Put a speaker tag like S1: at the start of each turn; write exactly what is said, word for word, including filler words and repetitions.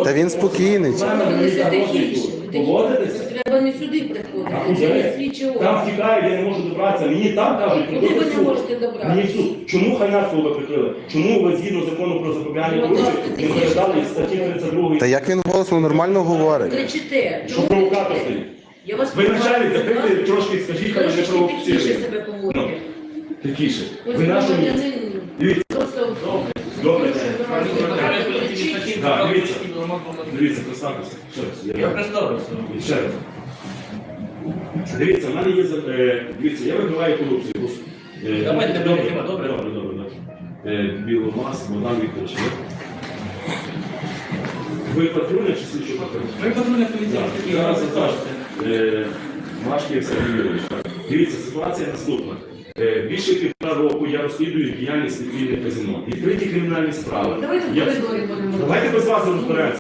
S1: Та він спокійний.
S2: Треба не сюди приходити, це не слідчі органи.
S3: Там втікають, я не можу добратися. Мені там кажуть,
S2: Куди ви
S3: прикрити
S2: не
S3: суд.
S2: можете добратися?
S3: Мені в суд. Чому Хайнацького ви прикрили? Чому ви згідно закону про запобігання корупції не передали статті тридцять два?
S1: Та як він голосно нормально говорить?
S2: Кричите.
S3: Що провокатор стоїть?
S2: Я вас
S3: Ви начальник, закрити трошки, скажіть, хай не
S2: трошки
S3: провокує.
S2: тихіше себе поводите.
S3: Тихіше.
S2: Ось
S3: Ви нашому...
S2: громадянин
S3: Дивіться.
S2: просто
S3: Добре.
S2: кричить.
S3: Так, дивіться. Дивіться, представтеся. Ще раз.
S4: Я представився.
S3: Ще раз. Дивіться, в мене є... за- е, Дивіться, я вибиваю корупцію. Е,
S4: Давайте,
S3: добре,
S4: добре, добре.
S3: добре, добре, добре. Е, Біломас, Богдан Вікторович. Ви патрульна чи слідчо патрульна?
S4: Ви патрульна поліція.
S3: Так, зараз закажете. Е, Машків Сергій Юрійович. Дивіться, ситуація наступна. Е, Більше півтора року я розслідую діяльність вільних казино. Відкриті кримінальні справи.
S2: Давайте в
S3: Я-
S2: коридорі будемо.
S3: Давайте без вас розберемося.